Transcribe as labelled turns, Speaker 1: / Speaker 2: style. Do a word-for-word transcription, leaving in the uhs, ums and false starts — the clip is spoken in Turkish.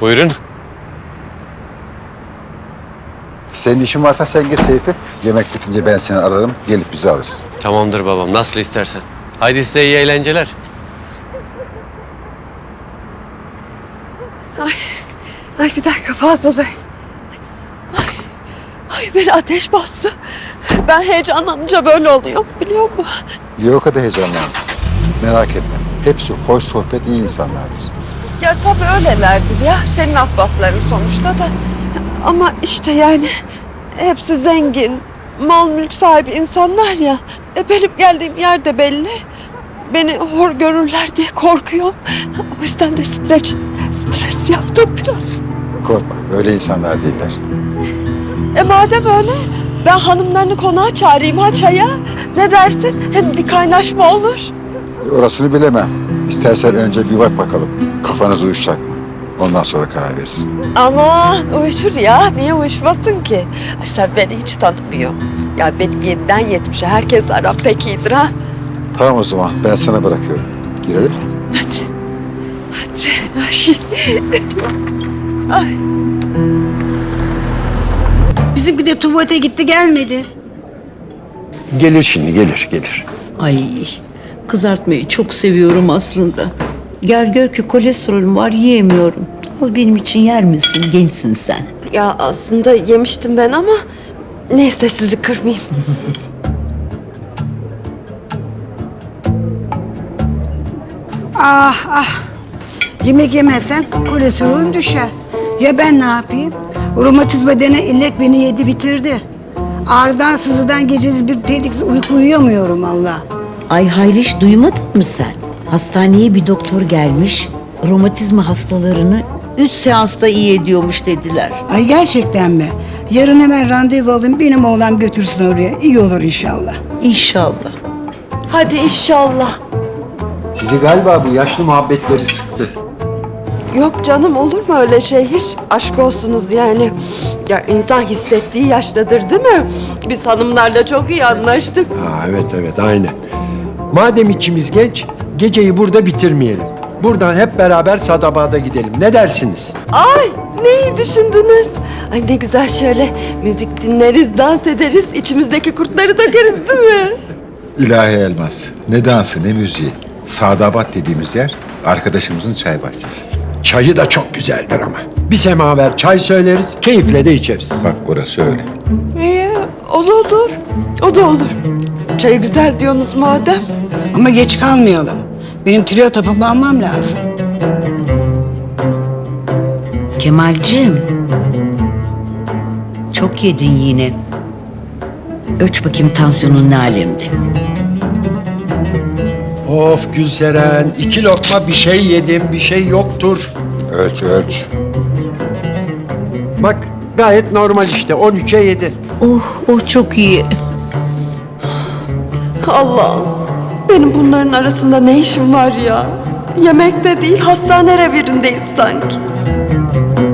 Speaker 1: Buyurun.
Speaker 2: Senin işin varsa sen git Seyfi. Yemek bitince ben seni ararım. Gelip bizi alırsın.
Speaker 1: Tamamdır babam, nasıl istersen. Haydi size iyi eğlenceler.
Speaker 3: Ay bir dakika Fazıl Bey. Ay, ay beni ateş bastı. Ben heyecanlanınca böyle oluyor biliyor musun?
Speaker 2: Niye o kadar heyecanlandın? Merak etme. Hepsi hoş sohbet, iyi insanlardır.
Speaker 3: Ya tabii öylelerdir ya. Senin ahbapların sonuçta da. Ama işte yani hepsi zengin, mal mülk sahibi insanlar ya. E benim geldiğim yer de belli. Beni hor görürler diye korkuyorum. O yüzden de stres, stres yaptım biraz.
Speaker 2: Korkma, öyle insanlar değiller.
Speaker 3: E madem öyle, ben hanımlarını konağa çağırayım ha çaya. Ne dersin? Hem bir kaynaşma olur.
Speaker 2: Orasını bilemem. İstersen önce bir bak bakalım. Kafanız uyuşacak mı? Ondan sonra karar verirsin.
Speaker 3: Aman uyuşur ya. Niye uyuşmasın ki? Ay sen beni hiç tanımıyorsun. Ya benim yediden yetmişe herkes aram pek iyidir ha.
Speaker 2: Tamam o zaman, ben sana bırakıyorum. Girelim mi?
Speaker 3: Hadi. Hadi. Ay. Ay.
Speaker 4: Bizimki de tuvalete gitti gelmedi.
Speaker 5: Gelir şimdi, gelir, gelir.
Speaker 6: Ay kızartmayı çok seviyorum aslında. Gel gör ki kolesterolüm var yiyemiyorum. Al benim için yer misin? Gençsin sen.
Speaker 3: Ya aslında yemiştim ben ama neyse sizi kırmayayım.
Speaker 4: Ah ah. Yemek yemezsen kolesterolün düşer. Ya ben ne yapayım? Romatizma denen illet beni yedi bitirdi. Ağrıdan sızıdan geceli bir tehlikesiz uyku uyuyamıyorum Allah.
Speaker 6: Ay Hayriş duymadın mı sen? Hastaneye bir doktor gelmiş. Romatizma hastalarını üç seansta iyi ediyormuş dediler.
Speaker 4: Ay gerçekten mi? Yarın hemen randevu alayım benim oğlan götürsün oraya. İyi olur inşallah.
Speaker 6: İnşallah.
Speaker 3: Hadi inşallah.
Speaker 5: Sizi galiba bu yaşlı muhabbetleri sıktı.
Speaker 3: Yok canım olur mu öyle şey? Hiç aşk olsunuz yani. Ya insan hissettiği yaştadır değil mi? Biz hanımlarla çok iyi anlaştık.
Speaker 5: Ha, evet evet aynen. Madem içimiz genç, geceyi burada bitirmeyelim. Buradan hep beraber Sadabad'a gidelim. Ne dersiniz?
Speaker 3: Ay ne iyi düşündünüz. Ay ne güzel şöyle müzik dinleriz, dans ederiz, içimizdeki kurtları dökeriz değil mi?
Speaker 2: İlahi Elmas. Ne dansı ne müziği. Sadabat dediğimiz yer arkadaşımızın çay bahçesi.
Speaker 5: Çayı da çok güzeldir ama. Bir semaver çay söyleriz, keyifle de içeriz.
Speaker 2: Bak orası öyle.
Speaker 3: İyi, o da olur. O da olur. Çayı güzel diyorsunuz madem.
Speaker 4: Ama geç kalmayalım. Benim trio tapımı almam lazım.
Speaker 6: Kemalciğim. Çok yedin yine. Ölç bakayım tansiyonun ne alemde.
Speaker 5: Of Gülseren, iki lokma bir şey yedim, bir şey yoktur.
Speaker 2: Ölç ölç.
Speaker 5: Bak gayet normal işte, on üçe yedi.
Speaker 6: Oh oh çok iyi.
Speaker 3: Allah'ım benim bunların arasında ne işim var ya? Yemekte değil hastane revirindeyiz sanki.